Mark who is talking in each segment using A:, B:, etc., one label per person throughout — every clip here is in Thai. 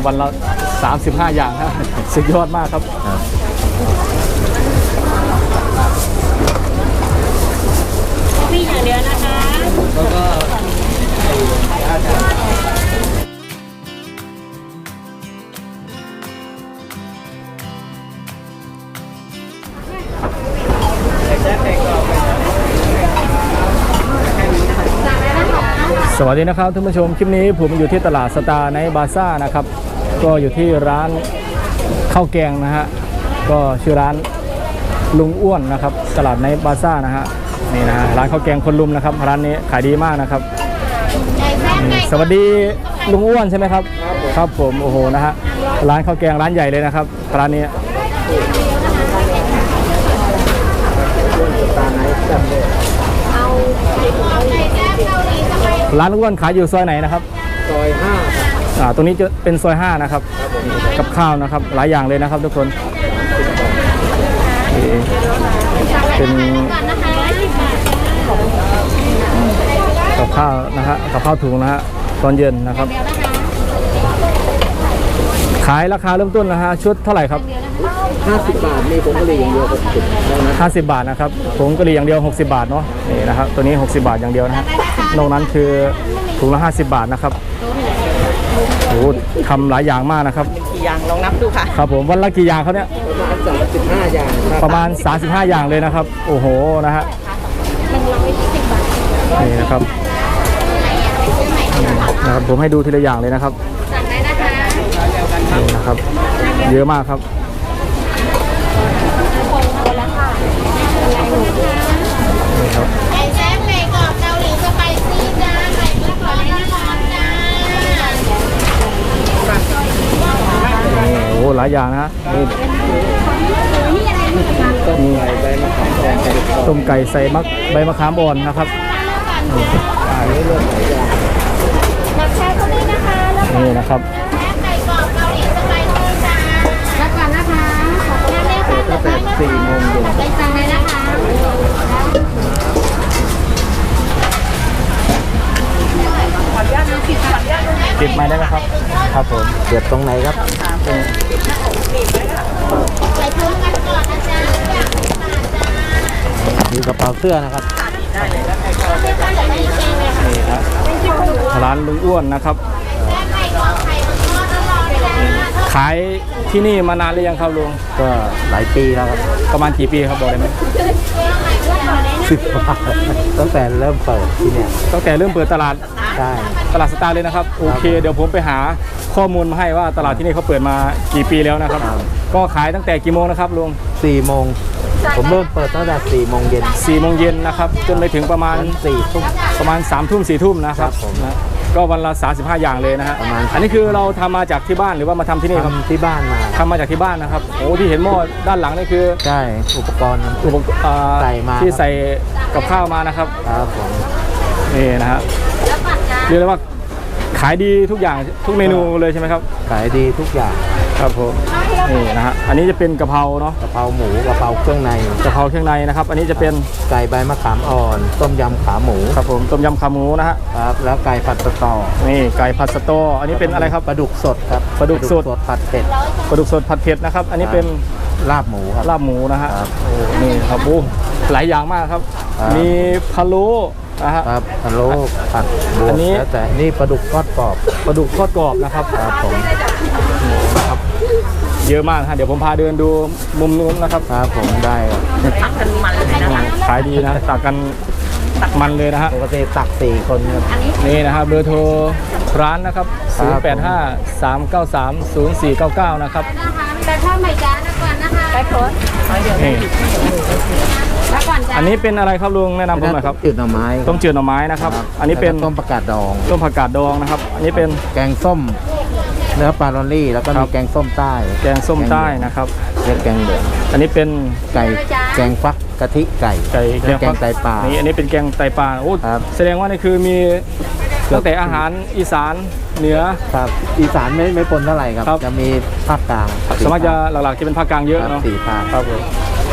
A: วันละ35อย่างนะสุดยอดมากครับ
B: พี่อย่างเดียวนะคะแล้วก็
A: สวัสดีนะครับท่านผู้ชมคลิปนี้ผมอยู่ที่ตลาดสตาร์ไนท์บาซ่านะครับก็อยู่ที่ร้านข้าวแกงนะฮะก็ชื่อร้านลุงอ้วนนะครับตลาดไนท์บาซ่านะฮะนี่นะฮะร้านข้าวแกงคนลุมนะครับร้านนี้ขายดีมากนะครับสวัสดีลุงอ้วนใช่ไหมครับครับผมโอ้โหนะฮะร้านข้าวแกงร้านใหญ่เลยนะครับร้านนี้ร้านลุงอ้วนขายอยู่ซอยไหนนะครับ
C: ซอย5
A: ตรงนี้จะเป็นซอย5นะครับกับข้าวนะครับหลายอย่างเลยนะครับทุกคนเป็นกับข้าวนะฮะกับข้าวถุงนะฮะตอนเย็นนะครับขายราคาเริ่มต้นนะฮะชุดเท่าไหร่ครับ
C: 50 บาทมีผงกะหรี่อย่างเดียว
A: 50 บาทนะครับผงกะหรี่อย่างเดียว60 บาทเนาะนี่นะครับตัวนี้60 บาทอย่างเดียวนะฮะนอกนั้นคือถุงละ50 บาทนะครับโอ้ทำหลายอย่างมากนะครับ
B: กี่อย่างลองนับดูค่ะ
A: ครับผมวันละกี่อย่างเขาเนี่ย
C: 35 อย่าง
A: ประมาณ35อย่างเลยนะครับโอ้โหนะฮะนี่นะครับผมให้ดูทีละอย่างเลยนะครับนี่นะครับเยอะมากครับนี่ครับ
B: ไก่แซ่บไก่กรอบเกาหลีสไปซี่จ้าไก่มะขามน้ำร้อนจ้า
A: นี่โอ้หลายอย่างนะฮะนี่ต้มไก่ใส่ใบมะขามอ่อนนะครับนี่นะครับ
B: ไก่กรอบเกาหลีสไปซี่จ้าแล้วก่อนนะคะขอบคุณเลยค่ะ
C: ตั้งแต่4 โมงเย็น
B: ไปสั่งเลยนะคะ
A: ติดไม้ได้ไหมครับครับผม
C: เดือดตรงไหนครับมีกระเป๋าเสื้อนะครับ
A: นี่ครับร้านลุงอ้วนนะครับขายที่นี่มานานหรือยังครับลุง
C: ก็หลายปีแล้วครับ
A: ประมาณกี่ปีครับบอกได้ไหม
C: 10 ปีตั้งแต่เริ่มเปิดที่เนี่ย
A: ตั้งแต่เริ่มเปิดตลาด
C: ใช่
A: ตลาดสตาร์เลยนะครับโอเคเดี๋ยวผมไปหาข้อมูลมาให้ว่าตลาดที่นี่เขาเปิดมากี่ปีแล้วนะครับก็ขายตั้งแต่กี่โมงนะครับลุง
C: 4 โมงผมเริ่มเปิดตั้งแต่4 โมงเย็น
A: 4 โมงเย็นนะครับจนไปถึงประมาณ
C: 4 ทุ่ม
A: ประมาณ3 ทุ่ม4 ทุ่มนะครับก็วันละ35 อย่างเลยนะฮะอันนี้คือเราทำมาจากที่บ้านหรือว่ามาทำที่นี่ครับ
C: ที่บ้านมา
A: ทำมาจากที่บ้านนะครับโอ้ที่เห็นหม้อด้านหลังนี่คือ
C: ใช่อุปกรณ์ใส่มา
A: ที่ใส่กับข้าวมานะครับ
C: ครับผม
A: นี่นะฮะเรียกได้ว่าขายดีทุกอย่างทุกเมนูเลยใช่ไหมครับ
C: ขายดีทุกอย่าง
A: ครับผมนี่นะฮะอันนี้จะเป็นกะเพราเนาะ
C: กะเพราหมูกะเพราเครื่องใน
A: กะเพราเครื่องในนะครับอันนี้จะเป็น
C: ไก่ใบมะขามอ่อนต้มยำขาหมู
A: ครับผมต้มยำขาหมูนะฮะ
C: ครับแล้วไก่ผัดสตอ
A: นี่ไก่ผัดสตออันนี้เป็นอะไรครับ
C: ปลาดุกสดครับ
A: ปลาดุกสด
C: ผัดเผ็ด
A: ปลาดุกสดผัดเผ็ดนะครับอันนี้เป็น
C: ลาบหมูครับ
A: ลาบหมูนะฮะโอ้นี่ครับโอ้หลายอย่างมากครับมีพะโล้
C: ครับพะโล้ผัดบวบแล้วแต่นี่ปลาดุกทอดกรอบ
A: ปลาดุกทอดกรอบนะครับ
C: ครับผม
A: ครับเยอะมากฮะเดี๋ยวผมพาเดินดูมุมนู้นนะครับ
C: ครับผมได้
B: ตักกันมันเลยนะคะ
A: ขายดีนะตักกันมันเลยนะฮะ
C: ปกติตัก4 คนครับ
A: นี่นะครับเบอร์โทรร้านนะครับ0853930499นะครับ
B: แต่ถ้าไม่จ้านะก่อนนะคะไปโพสนี่
A: อันนี้เป็นอะไรครับลุงแนะนำผมหน่อยครับ
C: จืดหน่อไม้
A: ต้มจืดหน่อไม้นะครับอันนี้เป็น
C: ต้มผักกาดดอง
A: ต้มผักกาดดองนะครับอันนี้เป็น
C: แกงส้มเนื้อปลาลอรี่แล้วก็มีแกงส้มใต้
A: แกงส้มใต้นะครับ
C: เรียกแกงเหลือง
A: อันนี้เป็น
C: ไก่แกงฟักกะทิไก่แกงไตปลา
A: นี่อันนี้เป็นแกงไตปลาโอ้แสดงว่านี่คือมีตั้งแต่อาหารอีสานเหนือ
C: ครับอีสานไม่ปนเท่าไหร่ครับจะมีภาคกลาง
A: สมัยจะหลักๆจะเป็นภาคกลางเยอะเนาะ
C: 4 ภาค
A: ครับผม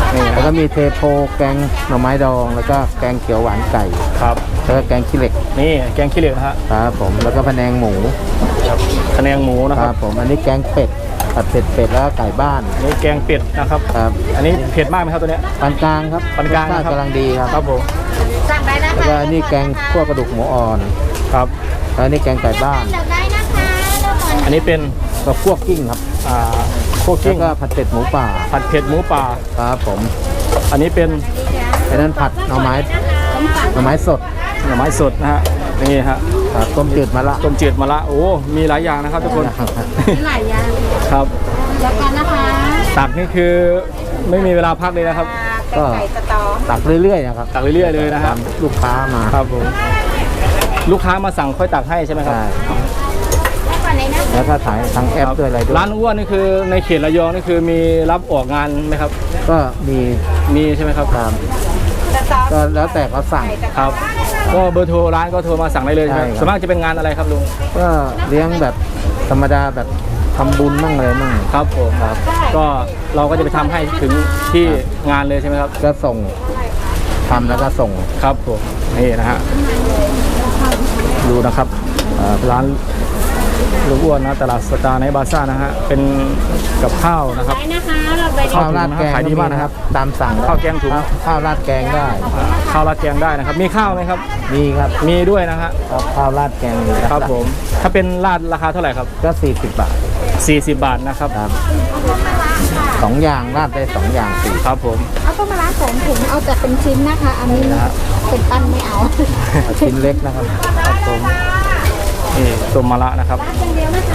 A: นี่นะ
C: แล้วก็มีเทโพแกงหน่อไม้ดอง แล้วก็แกงเขียวหวานไก่
A: ครับ
C: แล้วก็แกงขี้เหล็ก
A: นี่แกงขี้เหล็กนะฮะ
C: ครับผมแล้วก็พะแนงหมู
A: คะแนงหมูนะ
C: ค
A: ค
C: รั
A: รั
C: บบ ผมอันนี้แกงเป็ดผัดเผ็ดเป็ดแล้วก็ไก่บ้าน
A: นี่แกงเป็ดนะครับ
C: ครับ
A: อันนี้เผ็ดมากไหมครับตัวเนี้ย
C: ปานกลางครับ
A: ปานกลาง
C: รสชาติ
A: นะครับ
C: กำลังดีครับ
A: ครับผม
B: สั่งได้นะ
C: แล้ว
B: คะ
C: ก็อันนี้แกงคั่วกระดูกหมูอ่อน
A: ครับ
C: แล้วอันนี้แกงไก่บ้าน
B: เลือกได้นะคะเลือกก่อน
A: อันนี้เป็น
C: ก็คั่วกิ้งครับ
A: คั่ว
C: แล้
A: กิ้
C: ว
A: ง
C: ก็ผัดเผ็ดหมูป่า
A: ผัดเผ็ดหมูป่า
C: ครับผม
A: อันนี้เป็น
C: อันนั้นผัดหน่อไม้สด
A: หน่อไม้สดนะฮะนี่ฮะ
C: ครับต้มจืดมะละ
A: ต้มจืดมะระโอ้มีหลายอย่างนะครับทุกคน
B: มีหลายอย่าง
A: ครับ
B: เลือกก่อนนะคะ
A: ตักนี่คือไม่มีเวลาพักเลยนะครับ
C: ก็ตักเรื่อยๆนะครับ
A: ตักเรื่อยๆเลยนะฮะ
C: ตามลูกค้ามา
A: ครับผมลูกค้ามาสั่งค่อยตักให้ใช่ไหมครับ
C: ใช่
B: เลือกก่อนเลยนะ
C: แล้วถ้าถ่ายทางแอปด้วยอะไรด้วย
A: ร้านอ้วนนี่คือในเขตระยองนี่คือมีรับออกงานไหมครับ
C: ก็มี
A: มีใช่ไหมครับ
C: ตามก็แล้วแต่เขาสั่ง
A: ครับก็เบอร์โทรร้านก็โทรมาสั่งได้เลยใช่ไหม
C: ใช่ครับ
A: ส่วนมากจะเป็นงานอะไรครับลุง
C: ก็เลี้ยงแบบธรรมดาแบบทำบุญมั่งอะไรมั่ง
A: ครับผมครับก็เราก็จะไปทำให้ถึงที่งานเลยใช่ไหมครับ
C: ก็ส่งทำแล้วก็ส่ง
A: ครับผมนี่นะฮะดูนะครับร้านลุงอ้วนนะตลาดสตาร์ในบาซ่านะฮะเป็นกับข้าวนะครับ
B: ได้นะคะเราไป
A: ข้าว
C: ข้าวราดแกง
A: ขายดีมากนะครับ
C: ตามสั่ง
A: ข้าวแกงถุง
C: ข้าวราดแกงได้
A: ข้าวราดแกงได้นะครับ มีข้าวไหมครับ
C: มีครับ
A: มีด้วยนะฮะ
C: ครับข้าวราดแกงมี
A: ครับผมถ้าเป็นราดราคาเท่าไหร่ครับ
C: ก็40 บาท
A: 40 บาทนะครับ
C: ครับสองอย่างราดได้2อย่าง4
A: ครับผม
B: เอาต้มมะระ2 ถุงเอาแต่เป็นชิ้นนะคะ อันนี้เป็นปั้นไม่เอา
C: ชิ้นเล็กนะครับ
A: ครับผมนี่ต้มมะระนะครับ
B: อย่างเดียวนะคะ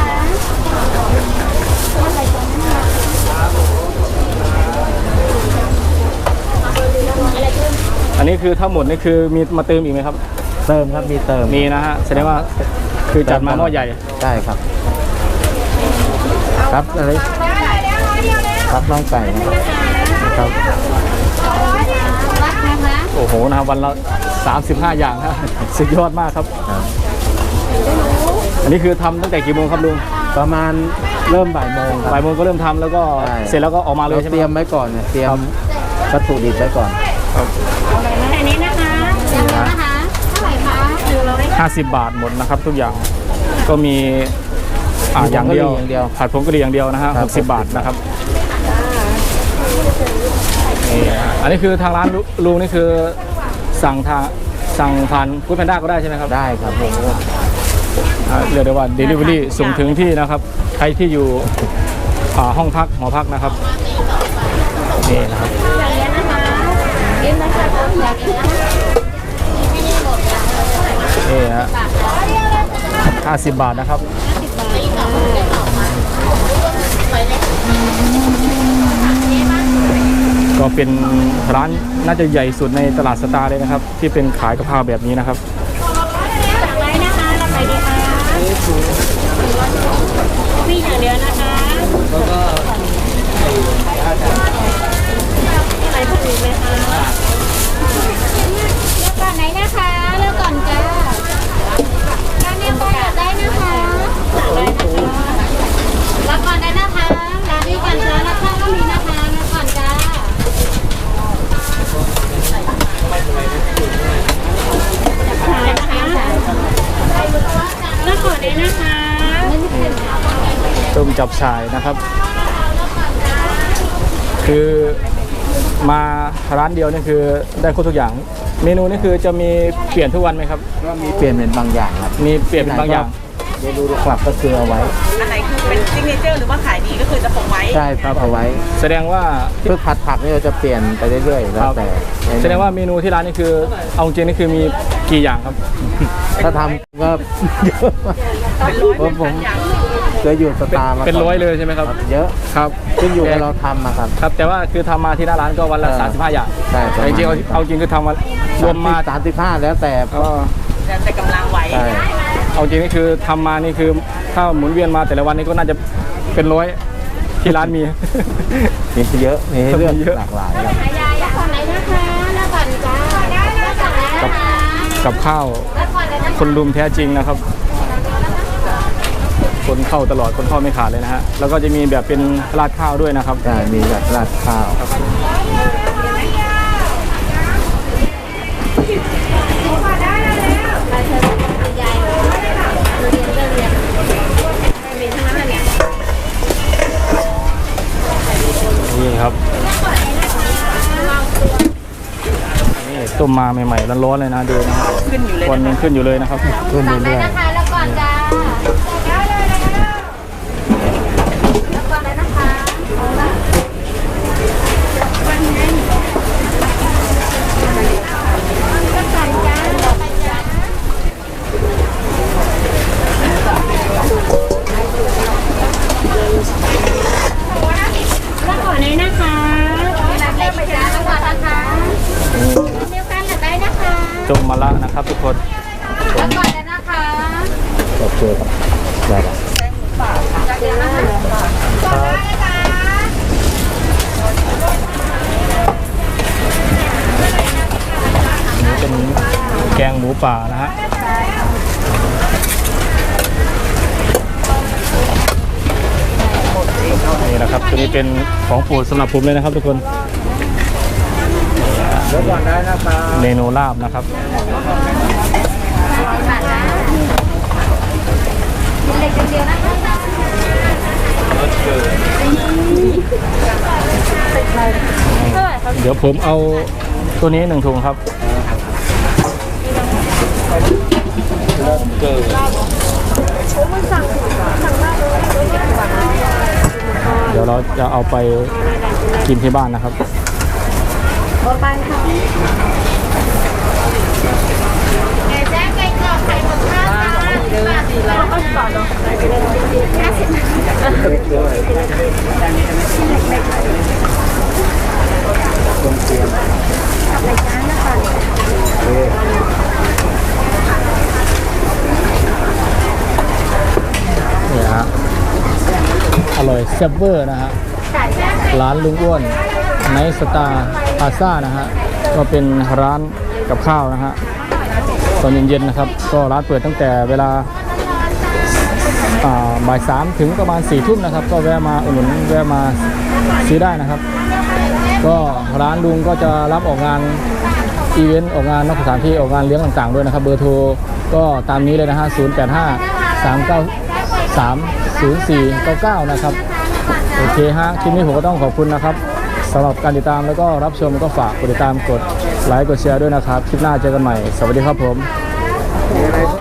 A: อันนี้คือทั้งหมดนี่คือมีมาเติมอีกไหมครับ
C: เติมครับมีเติม
A: มีนะฮะแสดงว่าคือจัดมาหม้อใหญ่
C: ใช่ครับ ครับอะไรครับน้องไก่นะครับ
B: รักนะคะ
A: โอ้โหนะครับวันละ35 อย่างฮะ สุดยอดมากครับ
C: ครับ
A: อันนี้คือทำตั้งแต่กี่โมงครับลุง
C: ประมาณเริ่มบ่ายโมงครับ
A: บ่ายโมงก็เริ่มทำแล้วก็
C: ใช่
A: เสร็จแล้วก็ออกมาเลย
C: เรา
A: ใช่ไห
C: เต
A: ม
C: รีย
A: ค
C: ม
A: รับ
C: ไว้ก่อนเนี่ยเตรีย
A: ครั
C: ม
A: บ
C: วัตถุดิบไว้ก่อน
B: อันนี้นะคะอย่างเดียวนะคะเท่าไหร่คะ100
A: 50 บาทหมดนะครับ ทุกอย่างก็มีอย่างเดียว
C: อย่างเดียว
A: ผัดผงกะหรี่อย่างเดียวนะฮะ
C: ครับ
A: 60 บาทนะครับนี่อันนี้คือทางร้านลุงนี่คือสั่งผ่านฟู้ดแพนด้าก็ได้ใช่ไหมครับ
C: ได้ครับผม
A: เรียกได้ว่า Delivery ส่งถึงที่นะครับ ใครที่อยู่ห้องพักหอพักนะครับนี่นะครับ
B: อย่างนี้นะคะกินนะคะอยากกินนะคะ
A: นี่ฮะ50 บาทนะครับก็เป็นร้านน่าจะใหญ่สุดในตลาดสตาร์เลยนะครับ ที่เป็นขายกะเพราแบบนี้นะครับ
B: สั่งไว้นะคะเราไปดีค่ะมีอย่างเดียวนะคะอะไรพวกนี้ไหมคะเลือกก่อนไหนนะคะเลือกก่อนจ้าร้านนี้ก็อยากได้นะคะรับก่อนได้นะคะร้านนี้ก่อนจ้ารับข้าวก็มีนะคะรับก่อนจ้าขายนะคะเลือกก่อนได้นะคะ
A: ต้มจับฉ่ายนะครับ คือมาร้านเดียวนี่คือได้ครบทุกอย่าง เมนูนี่คือจะมีเปลี่ยนทุกวันไหมครับ
C: ก็มีเปลี่ยนเป็นบางอย่างครับ
A: มีเปลี่ยนเป็นบางอย่าง
C: เมนูหลักก็คือเอาไว้
D: อันไหนคือเป็นซิกเนเจอร์หรือว่าขายดีก็คือจะคงไว้
C: ใช่ครับเอาไว้
A: แสดงว่า
C: เพื่อผัดผักนี่เราจะเปลี่ยนไปเรื่อยๆแล้วแต่
A: แสดงว่าเมนูที่ร้านนี่คือเอาจริงนี่คือมีกี่อย่างครับ
C: ถ้าทำก็เยอะมากเพราะผมเคยอยู่สตาร์มาก่
A: เป็นร้อยเลยใช่ไหมครับ
C: เยอะ
A: ครับ
C: ขึ้นอยู่กับเราทำมาครับ
A: ครับ แต่ว่าคือทำมาที่หน้าร้านก็วันละ 35 อย่าง
C: ใช่
A: แต่จริงๆเอาจริงคือทำมารวมมา
C: 35แล้วแต่
A: ก็
D: แต่กำลังไหว
C: ใช่
A: เอาจริงนี่คือทำมานี่คือถ้าหมุนเวียนมาแต่ละวันนี่ก็น่าจะเป็นร้อยที่ร้านมี
C: มีเยอะมีให้เลือก
A: มีเยอะ
C: หลากหลายครับ
B: ขายยาก่อนไหนนะคะแล้วก่อนจ้าแล้วก่อนไหนนะคะ
A: กับข้าว
B: แล้วก่อนไหนนะคะ
A: คนรุมแท้จริงนะครับ คนเข้าตลอดคนเข้าไม่ขาดเลยนะฮะแล้วก็จะมีแบบเป็นราดข้าวด้วยนะครับ
C: ใช่มีแบบราดข้าว
A: นี่ครับนี่ต้มมาใหม่ๆร้อนๆเลยนะดูนะ
D: ขึ้นอยู่เลย
A: ควันยังขึ้นอยู่เลยนะครับขึ้นเรื่อย
B: นะคะแล้วก่อนจ้าแล้วก่อนเลยนะคะแล้วก่อนเลยนะคะรับเลยไปจ้าแล้วก่อนนะคะเดียวกันได้นะคะ
A: ๆจมมะละนะครับทุกคน
B: แล้วก่อนเลยนะคะ
A: โอเคครับได้ละ
B: เดี๋ยวนะคะก่อนได้นะคะ
A: นี่เป็นแกงหมูป่านะฮะนี่นะครับตัวนี้เป็นของโปรดสำหรับผมเลยนะครับทุกคน
C: เดี๋ยวก่อนได้นะครับ
A: เมนูลาบนะครับ
B: เล็กเดียวนะคะ
A: เดี๋ยวผมเอาตัวนี้1 ถุงครับ เดี๋ยวเราจะเอาไปกินที่บ้านนะครับ
B: ไปค่ะไก่แซ่บไก่กรอบไก่หมดข้าวจ้า50 บาทเนาะ
A: นี่ฮะอร่อยแซ่บเวอร์นะฮะร้านลุงอ้วนไนท์สตาร์พาซ่านะฮะก็เป็นร้านกับข้าวนะฮะตอนเย็นๆนะครับก็ร้านเปิดตั้งแต่เวลาบ่าย 3ถึงประมาณ4 ทุ่มนะครับก็แวะมาอุดหนุนแวะมาซื้อได้นะครับก็ร้านลุงก็จะรับออกงานอีเวนต์ออกงานนอกสถานที่ออกงานเลี้ยงต่างๆด้วยนะครับเบอร์โทรก็ตามนี้เลยนะฮะ0853930499นะครับโอเคฮะคลิปนี้ผมก็ต้องขอบคุณนะครับสำหรับการติดตามแล้วก็รับชมก็ฝากกดติดตามกดไลค์กดแชร์ด้วยนะครับคลิปหน้าเจอกันใหม่สวัสดีครับผม